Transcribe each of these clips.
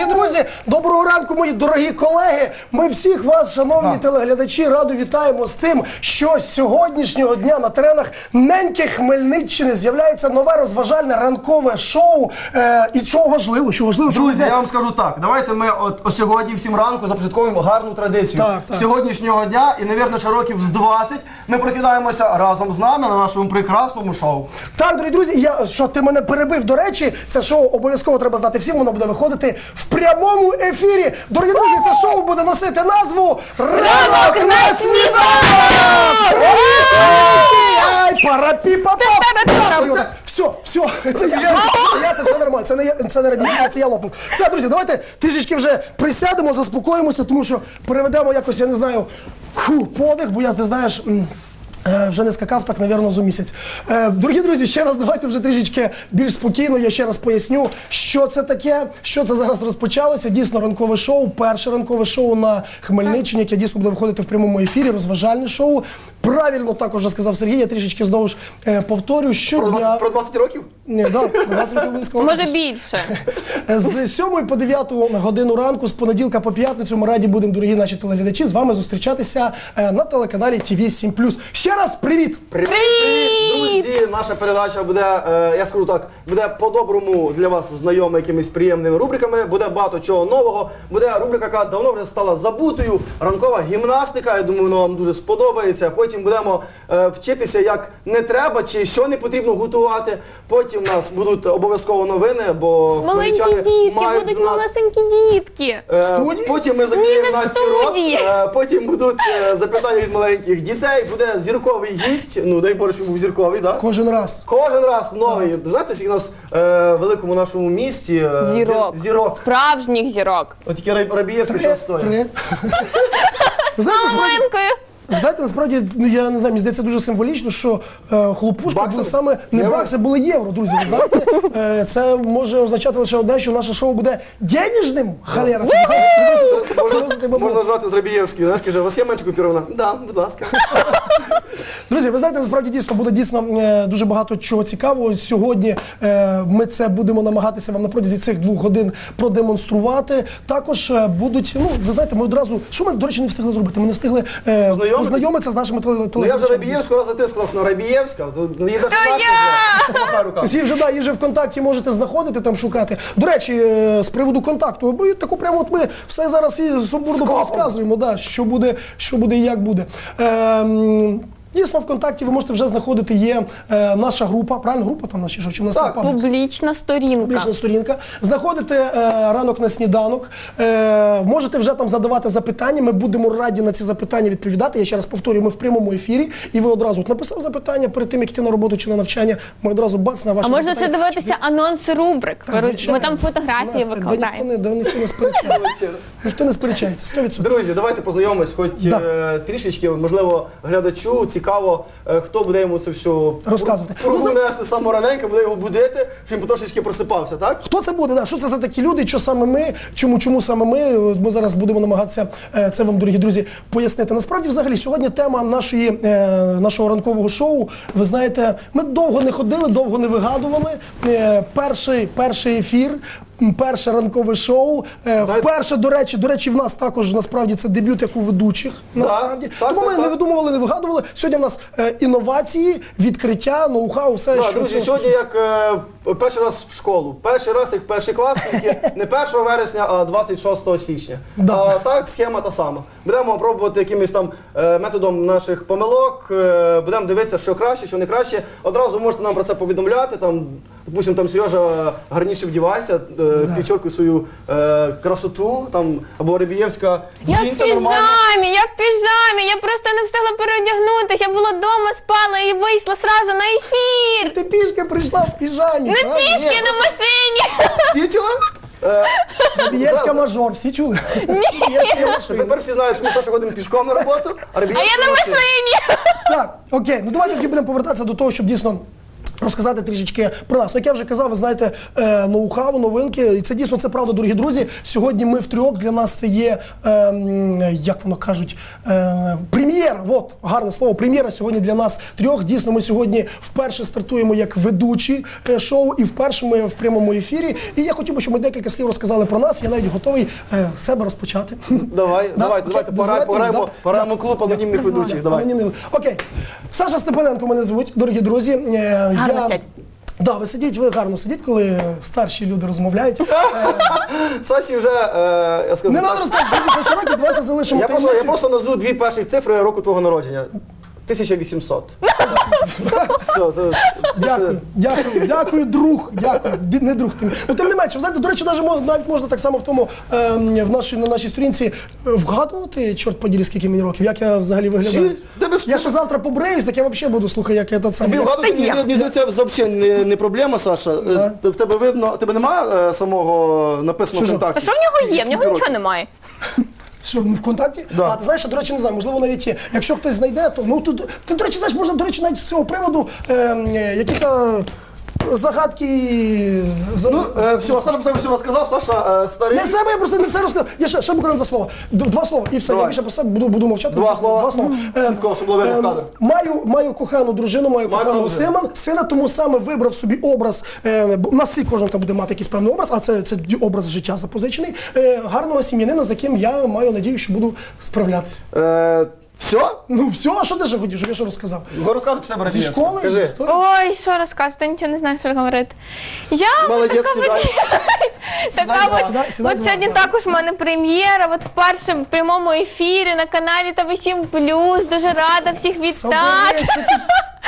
Дорогі друзі, доброго ранку, мої дорогі колеги. Ми всіх вас, шановні телеглядачі, радо вітаємо з тим, що з сьогоднішнього дня на теренах неньки Хмельниччини з'являється нове розважальне ранкове шоу. І що важливо, Друзі, я вам скажу так, давайте ми от сьогодні всім ранку започатковуємо гарну традицію. Так. Сьогоднішнього дня і, навірно, ще років з 20 ми прокидаємося разом з нами на нашому прекрасному шоу. Так, дорогі друзі, що ти мене перебив, до речі, це шоу обов'язково треба знати всім, воно буде виходити в прямому ефірі. Дорогі друзі, це шоу буде носити назву «Ранок на сніданок!» Ай, парапі-па-па! Все, це я, це все нормально, це не радіація, це я лопнув. Все, друзі, давайте трішечки вже присядемо, заспокоїмося, тому що переведемо якось, я не знаю, подих, бо я, ти знаєш, вже не скакав так, навірно, за місяць. Дорогі друзі, ще раз давайте вже трішечки більш спокійно, я ще раз поясню, що це таке, що це зараз розпочалося. Дійсно, ранкове шоу, перше ранкове шоу на Хмельниччині, яке дійсно буде виходити в прямому ефірі, розважальне шоу. Правильно також вже сказав Сергій, я трішечки знову ж повторю, щодня... Про 20 років? Ні, так, 20 років обов'язково. Може більше. З 7 по 9 годину ранку, з понеділка по п'ятницю ми раді будемо, дорогі наші телеглядачі, з вами зустрічатися на телеканалі ТВ7+. Ще раз привіт! Привіт! Друзі, наша передача буде, я скажу так, буде по-доброму для вас знайома якимись приємними рубриками, буде багато чого нового, буде рубрика, яка давно вже стала забутою, ранкова гімнастика, я думаю, вона вам дуже сподобається. Потім будемо вчитися, як не треба чи що не потрібно готувати. Потім у нас будуть обов'язково новини, бо Маленькі дітки, будуть малесенькі дітки. Потім ми закриємо Насті рот, потім будуть запитання від маленьких дітей, буде зірковий гість, ну дай Боже, щоб був зірковий, так? Кожен раз. Кожен раз новий. Знаєте, скільки у нас в великому нашому місті зірок. Справжніх зірок. От тільки Рабієвський що стоїть. 3. Ви знаєте, насправді, ну я не знаю, мені здається дуже символічно, що хлопушка були саме не бакси, були євро, друзі. Ви знаєте, це може означати лише одне, що наше шоу буде денежним. Халера. Можна жати з Рабієвською, знаєш, каже, у вас є менше купюрована? Так, будь ласка. Друзі, ви знаєте, насправді дійсно буде дуже багато чого цікавого. Сьогодні ми це будемо намагатися вам на протязі цих 2 годин продемонструвати. Також будуть, ну, ви знаєте, ми одразу, що ми, до речі, не встигли зробити? Ми не встигли познайомитися з нашими телеглядачами. Я вже Рабієвську раз за ти сказав, що Рабієвська, то її її вже ВКонтакті можете знаходити, там шукати. До речі, з приводу контакту, бо таку прямо от ми все зараз і сумбурно розказуємо, що буде і як буде. Дійсно, ВКонтакті ви можете вже знаходити, є наша група, правильно, група там наша, чи в нас Так, публічна сторінка. Публічна сторінка. Знаходите ранок на сніданок, можете вже там задавати запитання, ми будемо раді на ці запитання відповідати. Я ще раз повторюю, ми в прямому ефірі, і ви одразу написав запитання перед тим, як йти на роботу чи на навчання, ми одразу бац на ваші запитання. А можна ще дивитися анонси рубрик, ми там фотографії викладаємо. Ніхто не сперечається, 100%. Друзі, давайте познайомимось, хоч трішечки, можливо, глядачу цікаво, хто буде йому це все розказувати. Руку нести саме раненько, буде його будити, щоб він потрошечки просипався, так? Хто це буде? Що це за такі люди, що саме ми, чому саме ми? Ми зараз будемо намагатися це вам, дорогі друзі, пояснити. Насправді, взагалі, сьогодні тема нашого ранкового шоу, ви знаєте, ми довго не ходили, довго не вигадували. Перший ефір, перше ранкове шоу. Вперше, до речі, в нас також, насправді, це дебют як у ведучих, насправді. Тому ми не видумували, не вигадували. Сьогодні в нас інновації, відкриття, ноу-хау, все, що... Друзі, сьогодні як перший раз в школу. Перший раз як перший клас, тільки не 1 вересня, а 26 січня. Так, схема та сама. Будемо пробувати якимось там методом наших помилок, будемо дивитися, що краще, що не краще. Одразу можете нам про це повідомляти, там, допустим, там Сережа гарніше вдівайся, підчоркуй свою красоту, там, або Рабієвська. Я в піжамі, я просто не встигла переодягнутися, я була вдома, спала і вийшла сразу на ефір. Ти пішки прийшла в піжамі. Не пішки, на машині. Всі чули? Рабієвська мажор, всі чули? Ні. Тепер всі знають, що ми Саша ходимо пішком на роботу, а Рабієвська я на машині. Так, окей, ну давайте тоді будемо повертатися до того, щоб дійсно розказати трішечки про нас. Ну, як я вже казав, ви знаєте, ноу-хау, новинки, і це дійсно, це правда, дорогі друзі. Сьогодні ми втрьох, для нас це є, як воно кажуть, прем'єра. От, гарне слово, прем'єра сьогодні для нас трьох. Дійсно, ми сьогодні вперше стартуємо як ведучі шоу, і вперше ми в прямому ефірі. І я хотів би, щоб ми декілька слів розказали про нас. Я навіть готовий себе розпочати. Давайте, Дозвольте? пограємо клуб анонімних ведучих. Давай. Анонімний. Окей. Саша Степаненко мене звуть, дорогі друзі. Гарно сядь. Да, ви гарно сидіть, коли старші люди розмовляють. Саші вже, я скажу Не так, треба розказувати, за що років, давайте залишимо я таємницю. просто назву дві перші цифри року твого народження. 1800. Все, Дякую, друг. Дякую, не друг ти. Ну, тим не менше, знаєте, до речі, навіть можна так само в тому, на нашій сторінці вгадувати, чорт поділі, скільки мені років, як я взагалі виглядаю. В тебе ж- Я ще завтра побреюсь, так я взагалі буду, слухай, як я тут сам. Тобі вгадувати, мені здається, взагалі не проблема, Саша. В тебе видно, тебе немає самого написаного Що? А контакту? що в нього є? В нього нічого немає. Що, в ВКонтакті? Да. А ти знаєш, що, до речі, не знаю, можливо, навіть є. Якщо хтось знайде, то ну тут ти, до речі, знаєш, можна, до речі, навіть з цього приводу які-то загадки. Все, Саша про себе все розказав, Саша старий. Не себе, я просто не все розказав. Я ще буквально два слова. Два слова, і все. Давай. Я більше про себе буду мовчати. Два слова. Чітко, щоб було видно в кадр. Маю кохану дружину, маю коханого дружину. сина, тому саме вибрав собі образ. У нас всі кожен там буде мати якийсь певний образ, а це образ життя запозичений. Гарного сім'янина, з яким я маю надію, що буду справлятися. Все? Ну все, а що ти ще хотів, щоб я що розказав? Розказуй про себе Зі Радієвська. школи? Кажи. Історію? Ой, що розказати, нічого не знаю, що говорити. Я Молодець, сідай. Сідай, от сьогодні також в мене прем'єра, от вперше в прямому ефірі на каналі ТВ7+. Дуже рада всіх вітати. Соберися ти.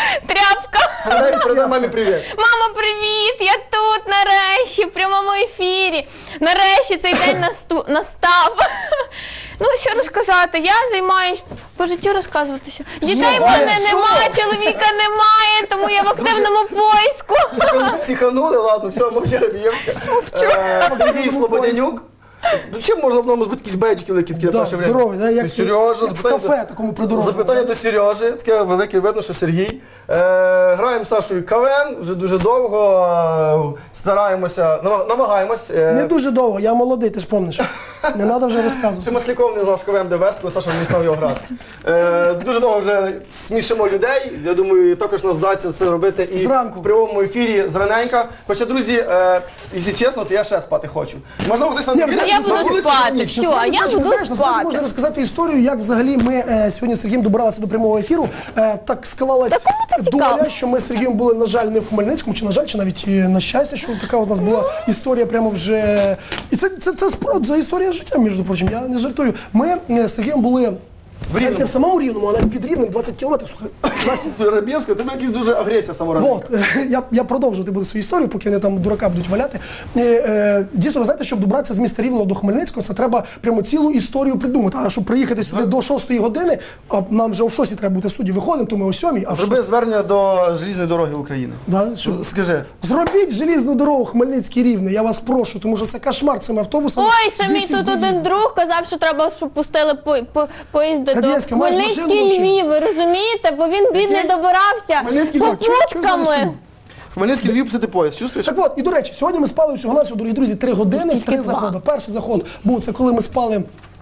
Тряпка. Передай мамі привіт. Мама, привіт! Я тут нарешті, в прямому ефірі. Нарешті цей день настав. Ну, що розказати, я займаюсь по життю розказуватися. Дітей в мене немає, чоловіка немає, тому я в активному поиску. Психанули, ладно, все, мовчи Радієвська. Сергій Слободянюк. Чим можна в ньому збити якісь бейджики великі такі на Да, перше время? здоровий, да, як Сережа, в кафе такому придорожному. Запитання до Сережі, таке велике, видно, що Сергій. Граємо з Сашою КВН вже дуже довго, стараємося, намагаємось. Не дуже довго, я молодий, ти ж помниш. Не треба вже Ще розказувати. Масляков не знав, що КВН де вести, коли Саша не знав його грати. Дуже довго вже смішимо людей. Я думаю, також нас вдасться це робити і Зранку. в прямому ефірі зраненька. Хоча, друзі, якщо чесно, то я ще спати хочу. Можливо, хтось нам Ні, вірить, я буду насправді, спати. ні. Все, а я буду Знаєш, насправді спати. можна розказати історію, як взагалі ми сьогодні з Сергієм добиралися до прямого ефіру. Так склалась Та кому це цікаво? доля, що ми з Сергієм були, на жаль, не в Хмельницькому, чи на жаль, чи навіть на щастя, що така у нас була історія прямо вже. І це справді за історія життя, між прочим, я не жартую. Ми з Сергієм були навіть не в самому Рівному, а навіть під Рівнем, 20 кілометрів. Слухай, Рабєвська, тебе якась дуже агресія саморанка. от, я продовжувати буду свою історію, поки вони там дурака будуть валяти. Дійсно, ви знаєте, щоб добратися з міста Рівного до Хмельницького, це треба прямо цілу історію придумати. А щоб приїхати сюди до 6-ї години, а нам вже о 6-й треба бути в студії, виходимо, то ми о 7-й, а в Зроби звернення до Желізної дороги України. Да, що? Скажи. Зробіть желізну дорогу Хмельницький Рівне, я вас прошу, тому що це кошмар цими автобусами. Ой, ще мій тут один друг казав, що треба, щоб пустили поїзди до Радієвська, маєш машину Хмельницький взагалі? Львів, ви розумієте? Бо він бідний добирався Хмельницький Львів, попутками. Хмельницький Львів писати поїзд, чувствуєш? Так от, і до речі, сьогодні ми спали всього-навсього, дорогі друзі, 3 години в 3 два. заходи. Перший заход був це коли ми спали.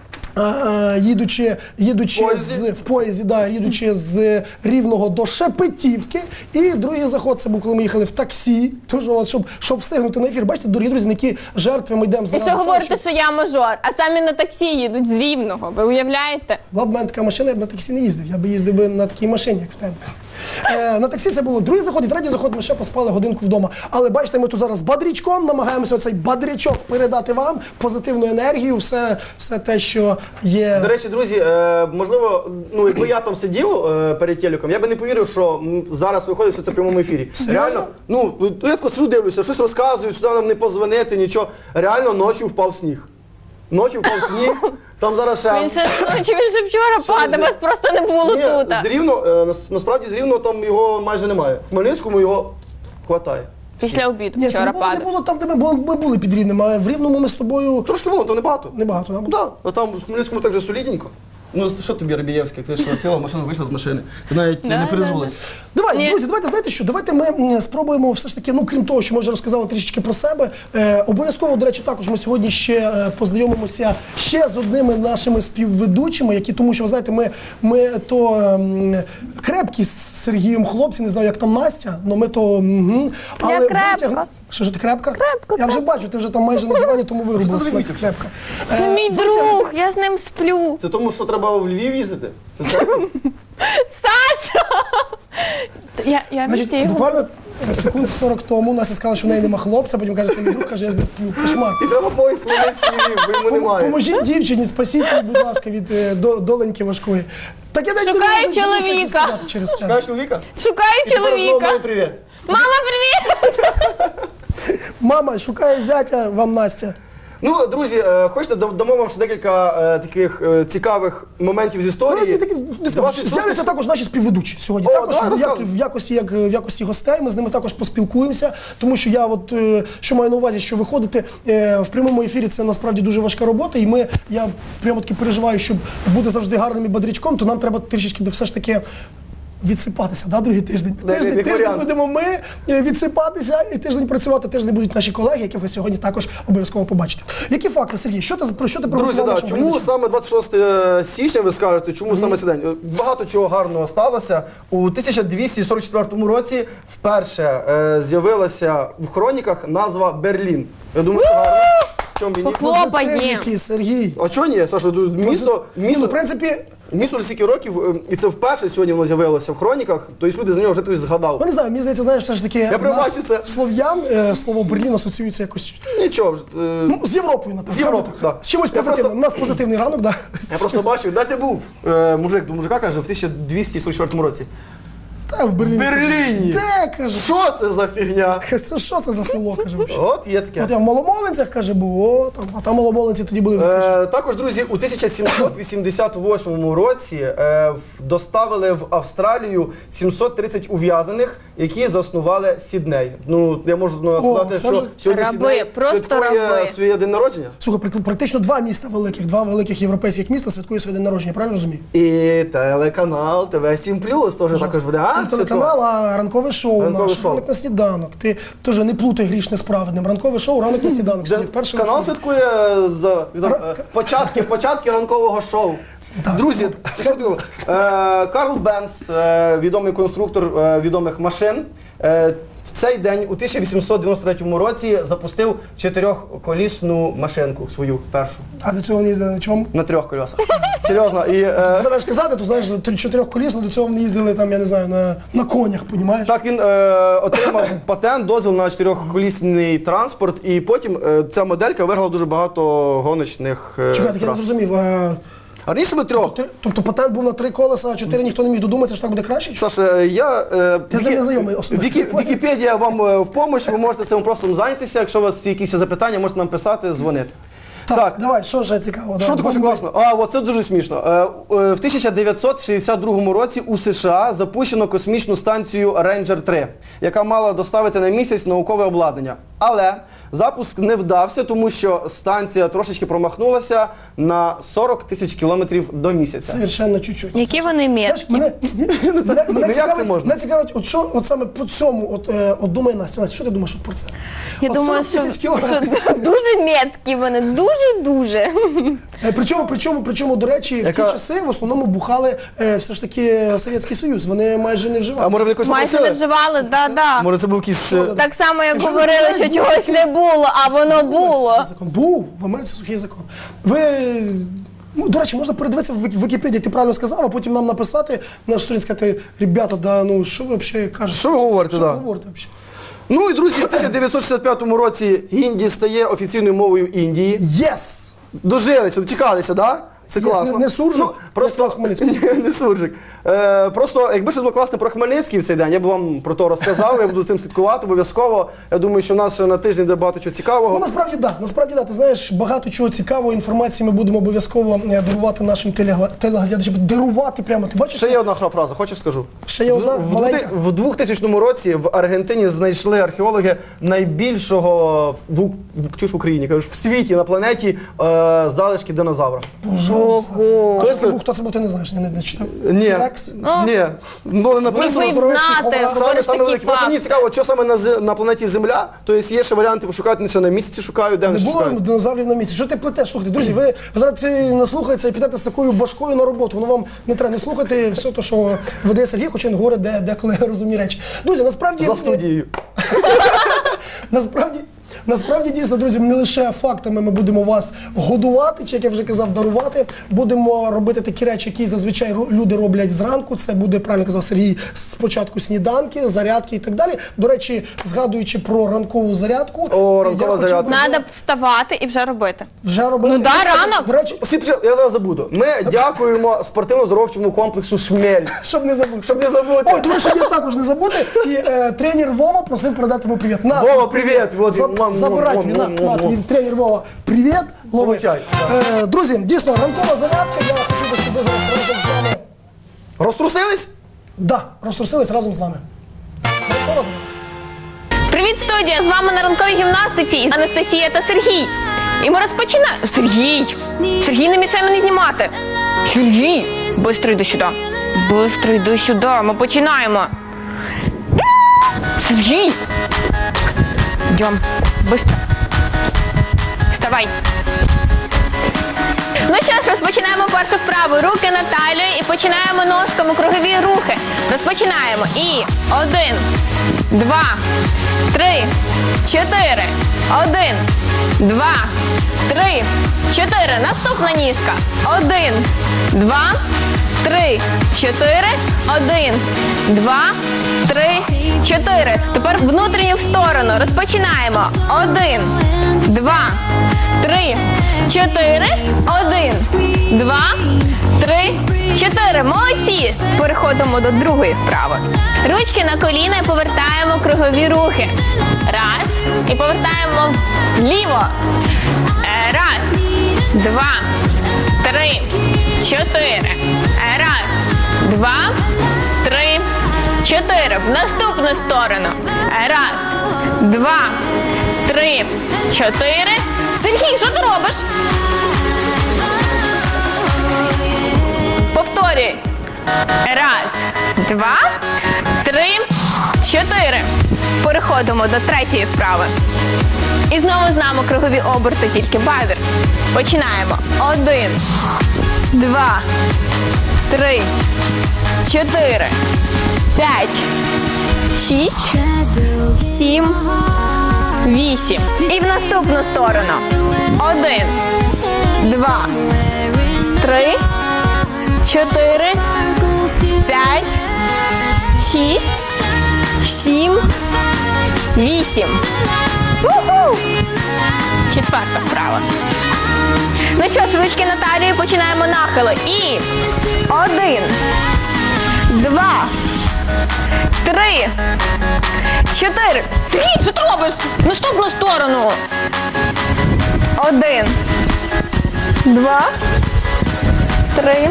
Їдучи в поїзді, да, їдучи з Рівного до Шепетівки. І другий заход це був, коли ми їхали в таксі. Тож, от, щоб встигнути на ефір. Бачите, дорогі друзі, на які жертви ми йдемо І заради що того, говорите, що я мажор, а самі на таксі їдуть з Рівного, ви уявляєте? Була б в мене така машина, я б на таксі не їздив. Я б їздив би на такій машині, як в тебе. На таксі це було другий заход і третій заход, ми ще поспали годинку вдома. Але бачите, ми тут зараз бадрячком намагаємося оцей бадрячок передати вам, позитивну енергію, все те, що є. До речі, друзі, можливо, якби я там сидів перед телеком, я би не повірив, що зараз виходить все це в прямому ефірі. Серйозно? Реально, я тако сиджу, дивлюся, щось розказують, сюди нам не позвонити, нічого. Реально, ночі впав сніг. Ночі впав сніг, там зараз ще... Він ще вчора падав, вас просто не було Ні, тут. з Рівного, насправді з Рівного там його майже немає. В Хмельницькому його хватає. Після обіду Ні, це вчора не падав. було там, де ми були під Рівнем, а в Рівному ми з тобою Трошки було, то небагато. небагато. Да? Так, а там в Хмельницькому так же солідненько. Ну що тобі, Рабієвська, ти що сіла в машину, вийшла з машини. Ти навіть Да, не да, перезулася. Давай, Ні. друзі, давайте, знаєте що, давайте ми спробуємо все ж таки, ну крім того, що ми вже розказали трішечки про себе, обов'язково, до речі, також ми сьогодні ще познайомимося ще з одними нашими співведучими, які, тому що, ви знаєте, ми то крепкі з Сергієм хлопці, не знаю, як там Настя, але ми то... Я крепка. Що ж ти крепка? Крепка, Я вже бачу, ти вже там майже на дивані, тому вирубилась Що ти крепка. крепка. Це мій друг, я з ним сплю. Це тому, що треба в Львів їздити? Це так? Саша! Я Значить, його. буквально секунд 40 тому Настя сказала, що в неї нема хлопця, потім каже, це мій друг, каже, я з ним сплю. Кошмар. І треба поїзд Хмельницький Львів, бо йому немає. Поможіть дівчині, спасіть її, будь ласка, від доленьки важкої. Так я навіть Шукаю не можу нічого чоловіка. сказати через тебе. Шукаєш чоловіка? Шукаю І тепер знову чоловіка. мамі привіт. Мама, привіт! Мама, шукає зятя вам Настя. Ну, друзі, хочете, дамо вам ще декілька таких цікавих моментів з історії. З'являться також наші співведучі сьогодні. О, Також давай, розказуй. в якості гостей ми з ними також поспілкуємося, тому що я от що маю на увазі, що виходити в прямому ефірі це насправді дуже важка робота, і я прямо таки переживаю, щоб бути завжди гарним і бодрячком, то нам треба трішечки все ж таки відсипатися, да, другий тиждень. Да, як Тиждень варіант. будемо ми відсипатися, і тиждень працювати. Тиждень будуть наші колеги, яких ви сьогодні також обов'язково побачите. Які факти, Сергій? Про що ти Друзі, приготував да, нашим чому глядачам? саме 26 січня, ви скажете, чому саме цей день? Багато чого гарного сталося. У 1244 році вперше з'явилася в хроніках назва Берлін. Я думаю, це гарно. Чому мені? Хлопаємо. Позитивники, Сергій. А чого ні, Саша? Місто, Ну, в принципі, місто вже стільки років, і це вперше сьогодні воно з'явилося в хроніках, тобто люди за нього вже хтось згадав. ну, не знаю, мені здається, знаєш, все ж таки в пробачу нас це. слов'ян слово Берлін асоціюється якось Нічого вже. ну, з Європою, напевно. З Європою, правда? так. З чимось Я позитивним. просто- У нас позитивний ранок, да. Я просто бачив, де ти був? Мужик до мужика каже, в 1244 році. Та, в Берліні. В Берліні! Де, каже? Що це за фігня? Це що це за село, каже, взагалі? От є таке. От я в Маломолинцях, каже, був, а там Маломолинці тоді були. Також, друзі, у 1788 році доставили в Австралію 730 ув'язнених, які заснували Сідней. Ну, я можу сказати, це що вже сьогодні раби, Сідней просто святкує раби. своє день народження. Слухай, практично два міста великих, два великих європейських міста святкує своє день народження, правильно розумію? І телеканал ТВ7+, теж також буде. Не телеканал, а ранкове шоу Ранкове наше, шоу. ранок на сніданок. Ти теж не плутай грішне з праведним. Ранкове шоу, ранок на сніданок. Сьогодні вперше Канал в ефірі. святкує початки ранкового шоу. Так. Друзі, що ти думав? Карл Бенц, відомий конструктор відомих машин, в цей день у 1893 році запустив чотирьохколісну машинку свою першу А до цього не їздили на чому? на трьох колесах. Серйозно. І Зараз казати, то знаєш, чотирьохколісно, до цього вони їздили там, я не знаю, на конях, понімаєш? так він отримав патент, дозвіл на чотирьохколісний транспорт, і потім ця моделька виграла дуже багато гоночних Чекай, так я не трас. зрозумів. А раніше ми трьох. Тобто патент був на 3 колеса, а 4 ніхто не міг додуматися, що так буде краще? чи що? Саша, я Ти з ним не знайомий особисто. Вікіпедія вам в допомогу, ви можете цим просто зайнятися. Якщо у вас є якісь запитання, можете нам писати, дзвонити. Так, давай, що ще цікаво? Що також класно? От це дуже смішно. В 1962 році у США запущено космічну станцію Ranger 3, яка мала доставити на місяць наукове обладнання. Але запуск не вдався, тому що станція трошечки промахнулася на 40 тисяч кілометрів до місяця. Совершенно чуть-чуть. Які вони Знаєш, меткі. мене як це можна? мене цікавить, от що от саме по цьому, от думає Настя. Настя, що ти думаєш от про це? Я От думаю, 40 тисяч що кілометрів. дуже меткі вони, дуже-дуже. Причому, до речі, в ті Яка- часи в основному бухали все ж таки Совєтський Союз. Вони майже не А вживали. може ви якось Майже не попросили? вживали, да. Може це був якийсь... Так само, як Якщо говорили, не що знаєш, чогось був не було, а воно було. Сухий закон. Був в Америці сухий закон. Ви. Ну, до речі, можна передивитися в Вікіпедії, ти правильно сказав, а потім нам написати на сторінці, сказати, ребята, да, ну що ви взагалі кажете? Що ви говорите, Що да? ви говорите взагалі? Ну і, друзі, в 1965 році гінді стає офіційною мовою Індії. Єс! Дожилися, дочекалися, да? Це Є, класно. не суржик, Ну, просто як Хмельницький. Ні, не суржик. Просто, якби щось було класне про Хмельницький в цей день, я б вам про то розказав, я буду з цим слідкувати обов'язково. Я думаю, що в нас ще на тиждень буде багато чого Ну, цікавого. насправді да. Ти знаєш, багато чого цікавої інформації ми будемо обов'язково дарувати нашим телеглядачам. Дарувати прямо, ти бачиш? Ще є одна фраза, хочеш скажу? Ще є одна маленька. В 2000 році в Аргентині знайшли археологи найбільшого в Україні, кажуть, в світі, на планеті залишки динозавра. Пожалуйста. Ого. А що це був Хто це був, ти не знаєш, не читав? Ні, Флекс? ні. Ну, не Міг написано. би Здоровецький знати, ховрав. говориш Саме такий великий. Просто мені факт. цікаво, що саме на планеті Земля, тобто є ще варіанти пошукати, не все на місяці шукають, де Не вони ще було шукають. динозаврів на місці. Що ти плетеш? Слухайте, друзі, ви зараз наслухаєтеся і підете з такою башкою на роботу. Воно вам не треба. Не слухайте все те, що веде Сергій, хоча він говорить деколи розумні речі. Друзі, насправді... За студією. Насправді, дійсно, друзі, не лише фактами ми будемо вас годувати, чи, як я вже казав, дарувати. Будемо робити такі речі, які зазвичай люди роблять зранку. Це буде, правильно казав Сергій, спочатку сніданки, зарядки і так далі. До речі, згадуючи про ранкову зарядку, О, ранкова я хотів би зарядка. Надо вставати і вже робити. вже робити. Ну да, ранок. До речі, Я зараз забуду. Ми дякуємо спортивно-здоровчому комплексу «Шмель». щоб не забути. Щоб не забути. Ой, тому що я також не забути. І тренер Вова просив передати йому привіт. На, Вова, привіт! Вот, Забирай тобі, на, тобі тренер Вова, привіт, лови. Получай. Друзі, дійсно, ранкова зарядка, я хотів би себе зараз разом з вами. Розтрусились? Да, розтрусились разом з нами. Ранкова зарядка. Привіт, студія! З вами на ранковій гімнастиці Анастасія та Сергій. І ми розпочинаємо. Сергій, не мішай мені знімати. Сергій! Бистро йди сюди. Бистро йди сюди. Ми починаємо. Сергій! Йдем. Бистро. Вставай. Ну що ж, розпочинаємо першу вправу. Руки на талію і починаємо ножками кругові рухи. Розпочинаємо. І 1, 2, 3, 4. 1, 2, 3, 4. Наступна ніжка. 1, 2, 3, 4. 1, 2, 3, 4. Тепер внутрішню в сторону. Розпочинаємо. 1, 2, 3, 4. 1, 2, 3, 4. Молодці! Переходимо до другої вправи. Ручки на коліна і повертаємо кругові рухи. Раз. І повертаємо вліво. Раз, 2, 3, 4. Раз, 2, 3, 4. В наступну сторону. Раз, 2, 3, 4. Сергій, що ти робиш? Повторюй. Раз, 2, 3, 4. Переходимо до третьої вправи. І знову з нами кругові оберти, тільки бедер. Починаємо. 1, 2, 3, 4, 5, 6, 7, 8. І в наступну сторону. 1, 2, 3, 4, 5, 6, 7, 8. Уху! Четверта вправа. Ну що ж, ручки на талію, починаємо нахили. І 1, 2, 3, 4. Сергій, що ти робиш? Наступну сторону. 1, 2, 3,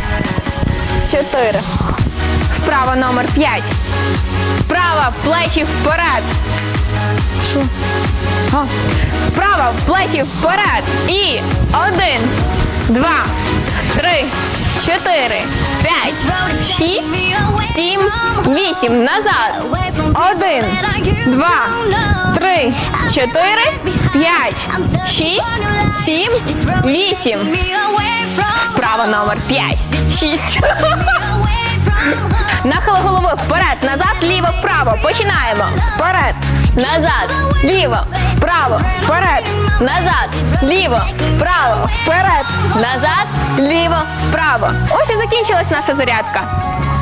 4. Вправа номер 5. Вправа, плечі вперед. Що? Вправа, плечі вперед. І 1, 2, 3, 4, 5, 6, 7, 8. Назад. 1, 2, 3, 4, 5, 6, 7, 8. Вправа номер 5. 6. Нахили голови вперед, назад, ліво, вправо. Починаємо. Вперед, назад, ліво, вправо, вперед, назад, ліво, вправо, вперед, назад, ліво, вправо. Ось і закінчилась наша зарядка.